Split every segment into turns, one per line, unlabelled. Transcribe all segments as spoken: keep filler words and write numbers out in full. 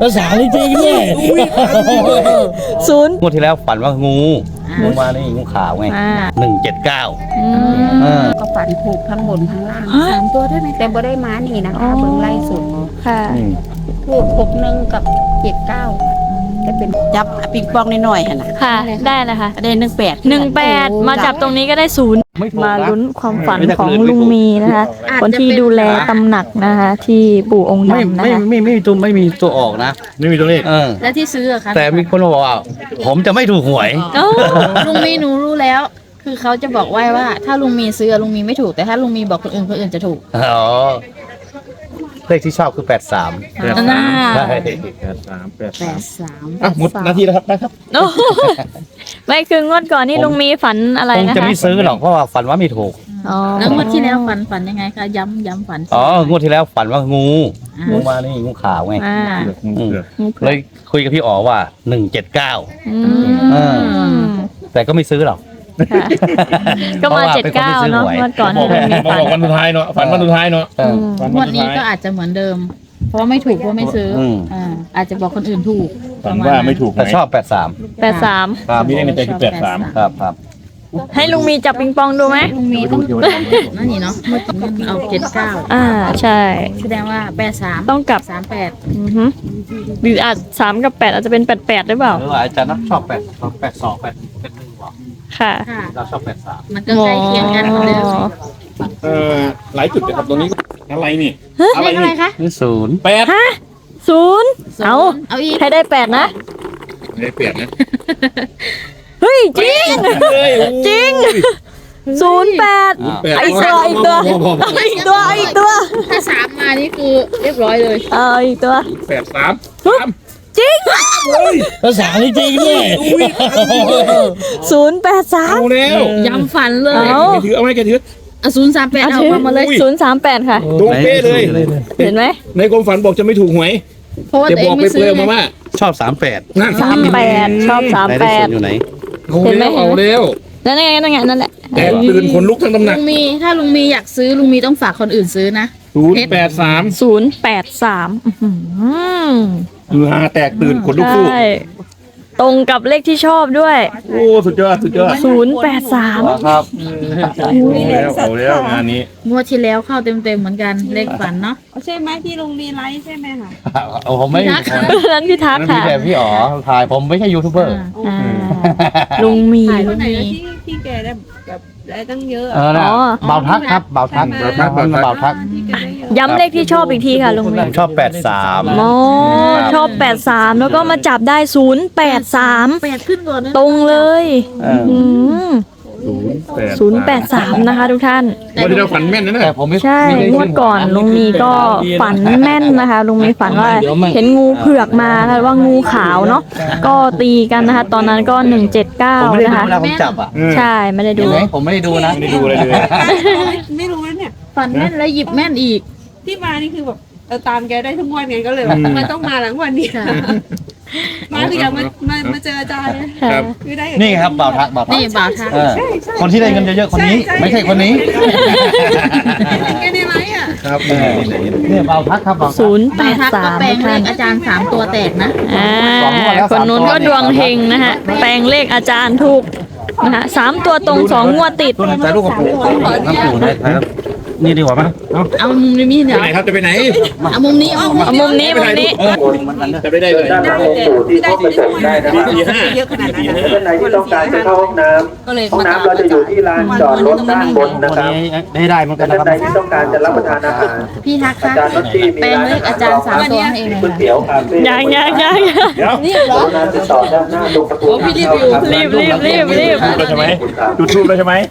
ภาษาจริงๆเนี่ย
ศูนย์
งวดที่แล้วฝันว่างูงูมานี่งูขาวไงหนึ่งเจ็ดเก้า
ก็ฝันถูกทั้งบนทั้งล่างสามตัวได้ไหมแต่บ่ได้ม้านี่นะคะเบิ่งไล่สุด
ค่ะ
ถูกหกหนึ่งกับเจ็ดเก้าแต่เป็นจับปิงปองน้อยๆนะ
ค่ะได้เลยค่ะ
ได้หนึ่งแปด
หนึ่งแปดมาจับตรงนี้ก็ได้ศูนย์มาลุ้นความฝันของลุงมีนะคะคนที่ดูแลตำหนักนะคะที่ปู่องค์ดำนะคะ
ไม่ไม่ไม่มีตัวไม่มีตัวออกนะ
ไม่มีตัวเลข
แล้วที่ซื้ออะคะ
แต่มีคนบอกว่าผมจะไม่ถูกหวย
ลุงมีหนูรู้แล้วคือเขาจะบอกไว้ว่าถ้าลุงมีซื้อลุงมีไม่ถูกแต่ถ้าลุงมีบอกคนอื่นคนอื่นจะถูก
อ๋อเลขที่ชอบคือแปดสาม
แปดสาม
แปดสามแปด
สาม
อ่ะหมดนาทีแล้วครับนะครับ
ไม่คืองวดก่อนนี่ลุงมีฝันอะไรนะคะ
คงจะไม่ซื้อหรอกเพราะว่าฝันว่าไม่ถูก
แล้วงวดที่แล้วฝันฝันยังไงคะย้ำย้ำฝัน
อ๋องวดที่แล้วฝันว่างูงูมานี่งูขาวไงเลยคุยกับพี่อ๋อว่าหนึ่งเจ็ดเก้าแต่ก็ไม่ซื้อหรอก
ก็มาเจ็ดเก้าเนาะงวดก่อน
มาบอกวันสุดท้ายเนาะฝันวันสุดท้ายเนาะ
งวดนี้ก็อาจจะเหมือนเดิมเพราะว่าไม่ถูกเพราะไม่ซื้ออ่าอาจจะบอกคนอื่นถูก
ฝันว่าไม่ถูก
แต่ชอบแปดสาม
แปดสาม
มีในใจคือแปดสาม
ครับครับ
ให้ลุงมีจับปิงปองดูไหม
ลุงมีต้องนั่นนี่เนาะเมื่อกี้มันเอาเจ็ดเก้า
อ่าใช่
แสดงว่าแปดสาม
ต้องกลับ
สามแปด
อือฮึหรืออาจสามกับแปดอาจจะเป็นแปดแปดหรือเปล่า
หรือว่าอาจารย์นักชอบแปดแปดสองแปดเป็นหนึ่งหรอ
ค่ะ
เราชอบแปดสาม
มันก็ใกล้เคียงกันเหมือนเดิม
เออหลายจุดนะครับตรงนี้อะไรนี่
อะไรอะไรคะ
นี่ศูนย์
แปด
ฮะศูนย์เอา
เอาอีก
ให้ได้แปดนะ
ไม่ได้เปลี่ยนนะ
เฮ้ยจริงจริงศูนย์แปดไอ้ตัวอีกตัวอีกตัวอีกตัว
ถ้าสามมานี่คือเรียบร้อยเลย
เอออีกตัว
แปดสาม
จริง
ภาษาจริงๆเนี่ย
ศูนย์แปดสาม
เอาแล้ว
ย้ำฝันเลย
ถือเอาไหมแกถือ
อ่ะศูนย์สามแปดเอามาเลย
ศูนย์สามแปดค่ะ
ตรงเป๊ะเลย
เห็นไหม
ในความฝันบอกจะไม่ถูกหวย
เพราะว่าตัวเองไม่ซื้อ
มาว่า
ชอบสามแปด
สามแปดชอบสามแปด
อยู่ไหน
เห็นไหมเอาแล้ว
นั่นไงนั่นไงนั่นแหละ
แตกตื่นคนลุกทั้งตำหนัก
ลุงมีถ้าลุงมีอยากซื้อลุงมีต้องฝากคนอื่นซื้อนะ
ศูนย์แปดสาม
ศูนย์แปดสาม
ฮือฮาแตกตื่นคนลุกสู้
ตรงกับเลขที่ชอบด้วย
โอ้สุดยอดสุดยอด
ศูนย์แปดสาม
ครับ
เอาแล้วเอาแล้วงานนี้
งวดที่แล้วเข้าเต็มเต็มเหมือนกันเลขฝันเนาะ
ใช่ไหมที่ลุงมีไลฟ์ใช่ไหมคะ
โอ้ผมไม่
นั้นพี่ทักค่ะ
พี่แต่พี่อ๋อถ่ายผมไม่ใช่ยูทูบเบอร์
ลุงมี
ลุงมีที่แกได้แบบได้ตั้งเยอะ
อ๋อเบาทักครับเบาทักเบาทักเบาทัก
ย้ำเลขที่ชอบอีกทีค่ะลุงมี
ชอบแปดสาม
อ๋อชอบแปดสามแล้วก็มาจับได้ศูนย์แปดสาม
แปดขึ้นก่อน
ตรงเลย
ศูนย์แปด
สามนะคะทุกท่าน
วันที่เราฝันแม่นนะ
แต่ผมไม่
ใช่งวดก่อนลุงมีก็ฝันแม่นนะคะลุงมีฝันว่าเห็นงูเผือกมาค่ะว่างูขาวเนาะก็ตีกันนะคะตอนนั้นก็หนึ่งเจ็ดเก้านะคะ
ผมจับอ่ะ
ใช่ไม่ได้ดู
ผมไม่ได้ดูนะ
ไม่ได้ดูอะไรเลย
ไม่รู้นะเนี่ย
ฝันแม่นแล้วหยิบแม่นอีก
ที่มานี่คือแบบเราตามแกได้ทุกวันไงก็เลยแบบมันต้องมาหลังวันนี้มาถึงอยากมามามาเจออาจารย์
ครับนี่ครับบ่าวทักบ่าวทัก
นี่บ่าวทัก
คนที่ได้เงินเยอะๆคนนี้ไม่ใช่คนนี้
แกในไลฟ์อ่ะ
ครับเนี่ยบ่าวทักครับบ่าวทัก
ศูนย์แปดสาม
แปลงเลขอาจารย์สามตัวแตกนะ
อ่าคนนู้นก็ดวงเฮงนะฮะแปลงเลขอาจารย์ถูกนะฮะสามตัวตรงสองงวดติด
แต่ลูกกระปุกน้ำปูได้ครับนี่ดีกว่ามั้ย
เอาเอามุมนี้เดี๋ยว
ไปไหนครับจะไปไหน
เอามุมนี้เอา
มุมนี้มุมนี้
จะไปได้เลย
ได้ได้ได้ได้เยอะขนาดนั้น
ท่านไหนที่ต้องการจะเข้าห้องน้ำห้องน้ำเราจะอยู่ที่ลานจอดรถด้านบนนะครับ
ได้ได้เหมือนกัน
นะครับท่านใดที่ต้องการจะรับประทานอาหาร
พี่ทักค่ะแปลงเลขอาจารย์สามตัวเองเลย
ยังยังยัง
นี่เหรอ
ติดต่อด้านหน้าตรงประตู
รีบรีบรีบรีบ
ใช่ไหมจุดทูบแล้วใช่ไหม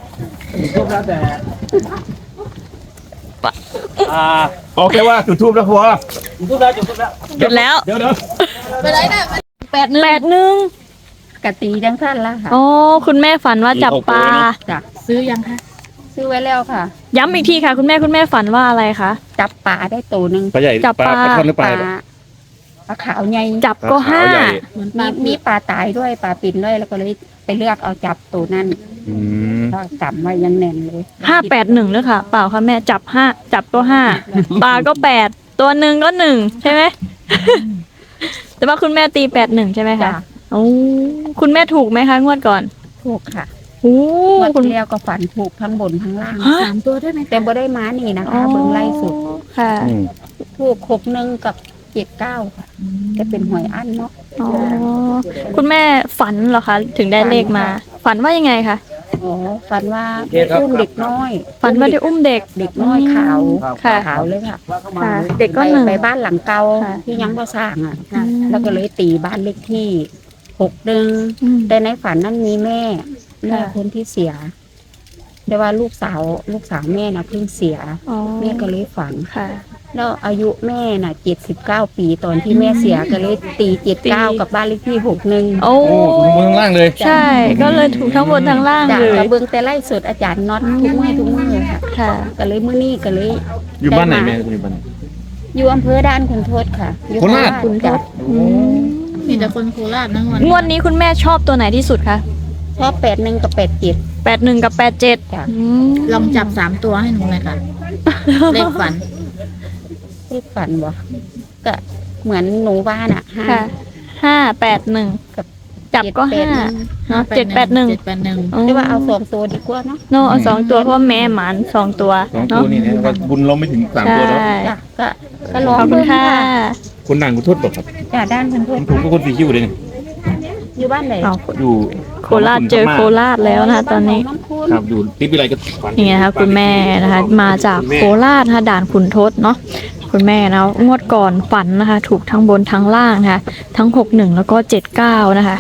อ่าโอเคว่าจุดทูบแล้วพอ
จุดทูบแล้วจุดทูบแล้วจุดแล้ว
เดี๋ยวเดี๋ยว
ไปไหนเนี่ยแปดหนึ่ง
แปดหนึ่ง
กะตีดังสั้นละค่ะ
อ๋อคุณแม่ฝันว่าจับปลา
จับซื้อยังคะซื้อไว้แล้วค่ะ
ย้ำอีกทีค่ะคุณแม่คุณแม่ฝันว่าอะไรคะ
จับปลาได้ตัวหนึ่ง
ปลาใหญ่
จับปลา
ปลาหรือปลา
ปลาขาวใหญ่
จับก็ห้า
มีมีปลาตายด้วยปลาปิ่นด้วยแล้วก็เลยไปเลือกเอาจับตัวนั้นก็จับไว้ยังแน่นเลย
ห้าแปดหนึ่งเลยค่ะเปล่าค่ะแม่จับห้าจับก็ห้าปลาก็แปดตัวหนึ่งก็หนึ่งใช่ไหมแต่ว่าคุณแม่ตีแปดหนึ่งใช่ไหมคะ
จ้ะ
โอ้คุณแม่ถูกไหมคะงวดก่อน
ถูกค่ะ
โอ้
งวด
คุณ
ที่แล้วก็ฝันถูกทั้งบนทั้งล่าง
ฮะ
สามตัวได้ไหม
แต่บ่ได้ม้านี่นะ
อ๋อ
คะเบิ่งไล่สุด
ค่ะ
อืม
ถูกหกหนึ่งกับเจ็ดเก้าค่ะจะเป็นหวยอั้นเนาะ
อ๋อคุณแม่ฝันเหรอคะถึงได้เลขมา ฝันว่ายังไงคะ
อ๋อฝันว่าอุ้มเด็กน้อย
ฝันว่าได้อุ้มเด็ก
เด็กน้อยขาว
ค่ะ
ขาวเลยค่ะ
ค่ะ เด็กก็
ไป
หนึ่ง
ไปบ้านหลังเก่า
ค่ะ
ที่ยังบ่สร้างอ่ะ
อืม
แล้วก็เลยตีบ้านเลขที่หกหนึ่ง
อืม
แต่ในฝันนั้นมีแม่แม่
ค่ะ
คนที่เสีย แต่ว่าลูกสาวลูกสาวแม่น่ะเพิ่งเสีย
อ๋อ
แม่ก็เลยฝัน
ค่ะ
แล้วอายุแม่น่ะเจ็ดสิบเก้าปีตอนที่แม่เสียก็เลยตีเจ็ดเก้ากับบ้านเลขที่หกหนึ่ง
โอ้
โอ้ถูกบนข้างล่างเลย
ใช่ ก็เลยถูกทั้งบนทั้งล่าง
จาก
เลย
กระเบื้องแต่ไล่สดอาจารย์น็อตทุกเมื่อทุกเมื่อค่ะ
ค่ะ
ก็เลยมื้อนี้ก็เลย
อยู่บ้านไหนแม่อยู่บ้านไหน
อยู่อำเภอด่านขุนทดค่ะอยู่
โคราช
ขุนทด
อืม
มีแต่คนโคราชนะวัน
งวดนี้คุณแม่ชอบตัวไหนที่สุดคะ
ชอบแปดหนึ่งกับแปดเจ็ด
แปดหนึ่งกับแปดเจ็ด
จ้ะ
ลองจับสามตัวให้หนูเลยค่ะ เลขฝัน
เลขฝันบ่ก็เหมือนหนูว่าน่ะห้า
ค่ะห้าแปดหนึ่ง
กับ
จับก็
เจ็ด
ห้า
แปดหนึ่ง
เนาะเจ็ดแปดหนึ่ง
เจ็ดแปดหนึ่ง
หรือว่าเอาสองตัวดีกว่าเนาะ
โนเอาสองตัวเพราะว่าแม่หมันสองตัว
สองตั
เนาะ
วนี่นะว่าบุญเราไม่ถึงสาม
ใช่
ตัวแล้ว
จ้ะก็ก็ลอง
ขอบคุณค่ะ
คนดังคุณทศบอกครับ
จ้ะด้านขุนท
ผ
ด
มถูกก็คนสีคิ้วเลยนี่
อยู่บ้านไหน
เอา
อยู่
โคราชเจอโคราชแล้วนะคะตอนนี้
น้ำพุน
ครับอยู่ติดวิไลก็ฝัน
นี่ไงคะคุณแม่นะคะ มาจากโคราชนะคะด่านขุนทดเนาะคุณแม่นะงวดก่อนฝันนะคะ ถูกทั้งบนทั้งล่างนะคะ ทั้งหกหนึ่งแล้วก็เจ็ดเก้านะคะ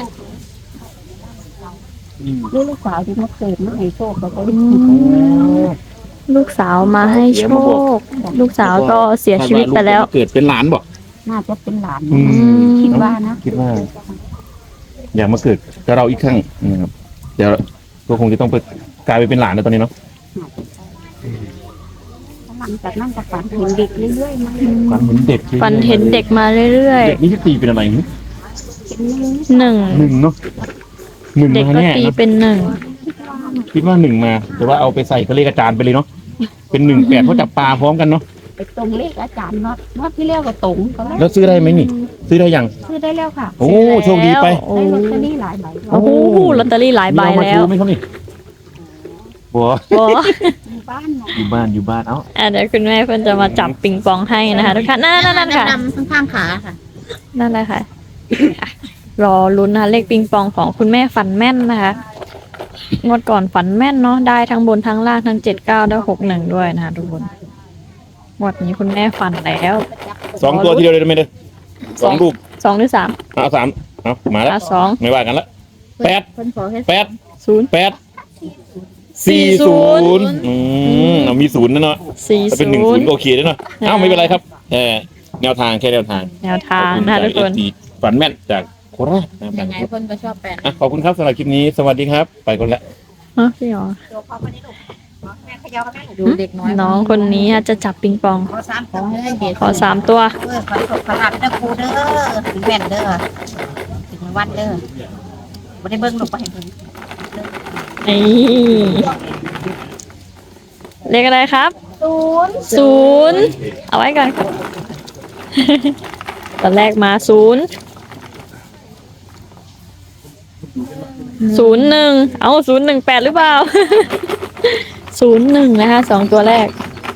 นี่ลูกสาวที่มาเกิดมาให้โชคเขาก็
อืมลูกสาวมาให้โชค ลูกสาวก็เสียชีวิตไปแล้ว
เกิดเป็นหลานบอก
น่าจะเป็นหลาน
อืม
คิดว่านะ
คิดว่า อยากมาเกิดกับเราอีกครั้งนะครับเดี๋ยวก็คงจะต้องไปกลายไปเป็นหลานแล้วตอนนี้เนาะ
หลังจากนั้นก็ฝันเห็นเด็กเรื่อยๆมา
ฝันเห็นเด็ก
ฝันเห็นเด็กมาเรื่อย
เด็กนี่ที่ตีเป็นอะไรนี่
ๆหนึ่ง
หนึ่งเนาะหนึ่ง
เด็ก
มา
ก็
แน่
ตี
นะ
เป็นหนึ่ง
คิดว่าหนึ่งมา แต่ว่าเอาไปใส่ก็เลขอาจารย์ไปเลยเนาะเป็นหนึ่งแปดเพราะจับปลาพร้อมกันเนาะ
ไปตรงเลขอาจารย์น็อตน็อตที่แล้วก็ตรงก็ได้
แล้วซื้อได้ไหมนี่ ซื้อได้ยัง
ซื้อได้แล้วค่ะ
โอ้โชคดีไป
โอ้
ได้ลอตเตอรี่หลายใบ
โอ้โหลอตเตอรี่หลายใบ
มีเอมา
แล้ว
ชูไหมครับนี่บัว
โอ้
อยู่บ้านเนาะ
อยู่บ้านอยู่บ้านเอ้า
อ่ะเดี๋ยวคุณแม่เพิ่นจะมาจับปิงปองให้นะคะทุกท่านนั่นนั่นนั่นค่ะ
ดำๆข้างๆขาค่ะ
นั่นแหละค่ะอ่ะ รอลุ้นนะคะเลขปิงปองของคุณแม่ฝันแม่นนะคะงวดก่อนฝันแม่นเนาะได้ทั้งบนทั้งล่างทั้งเจ็ดเก้าได้หกหนึ่งด้วยนะคะทุกคนงวดนี้คุณแม่ฝันแล้ว
สองตัวทีเดียวเลยได้ไหมเด้อสองลูก
สองหรือสาม
เอาสามเอามาแล้ว
อ่ะสอง
ไม่ว่ากันละแปด
เพิ่นขอแค่
แปด
ศูนย์
แปดสี่ศูนย์อืมเอามีศูนย์นะเนาะ
สี่
ถ้าเป็นหนึ่ง
ศู
ศู
น
น
ย์
ย์ก็โอเคแล้วเนาะเอ้าไม่เป็นไรครับเออแนวทางแค่แนวทาง
แนวทางนะคะทุกคน
ขอบณจาก เอฟซีฝันแม่นจากโคราชนะครับ
ยังไงเพิ่นก็ชอบแปด
อ่ะขอบคุณครับสำหรับคลิปนี้สวัสดีครับ ไปก่อนละ
ฮะพี่หรอ
ดูเด็กน้อย
น้องคนนี้จะจับปิงปอง
ขอให้ได้เด็ก
ขอสามตัว
เออขอให้สุขภาพเด้อครูเด้อถึงแม่นเด้อถึงวันเด้อบ่ได้เบิ่งลงไปให้เบิ่ง
นี่เลขอะไรครับ
ศูนย์
ศูนย์เอาไว้ก่อนครับ ตอนแรกมาศูนย์ศูนย์หนึ่งเอาศูนย์หนึ่งแปดหรือเปล่า ศูนย์หนึ่งนะคะสองตัวแรก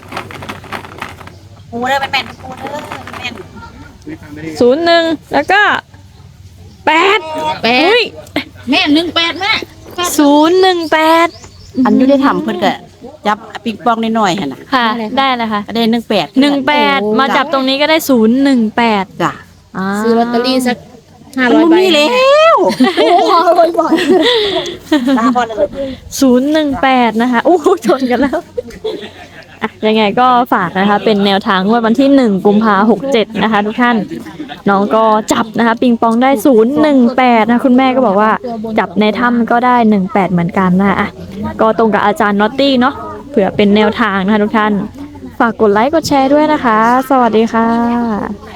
ครูเด้อเป็นแม่นครูเด้อแม่น
ศูนย์หนึ่งแล้วก็แปด
แปดแม่หนึ่งแปดแม่
ศูนย์หนึ่งแปด
อันอยู่ได้ทำเพิ่นก็จับปิงปองน้อยๆหั่นน่ะ
ค่ะ ได้เลยค่ะ
ก็ได้หนึ่งแปด
หนึ่งแปดมาจับตรงนี้ก็ได้ศูนย์หนึ่งแปด
จ้ะ
ซื้อลอตเตอรี่สักห้า
มัน
ร้อย
บ่
ใบ
มีแล้วโอ้ยบ่อยๆตาบ่เลย
ศูนย์หนึ่งแปดนะคะโอ้โหชนกันแล้วอ่ะยังไงก็ฝากนะคะ เป็นแนวทางงวดวันที่หนึ่งกุมภาหกเจ็ดนะคะ ทุกท่าน น้องก็จับนะคะ ปิงปองได้ศูนย์หนึ่งแปดนะคุณแม่ก็บอกว่า จับในถ้ำก็ได้หนึ่งแปดเหมือนกันนะคะอ่ะก็ตรงกับอาจารย์นอตตี้เนาะเผื่อเป็นแนวทางนะคะทุกท่าน ฝากกดไลค์กดแชร์ด้วยนะคะ สวัสดีค่ะ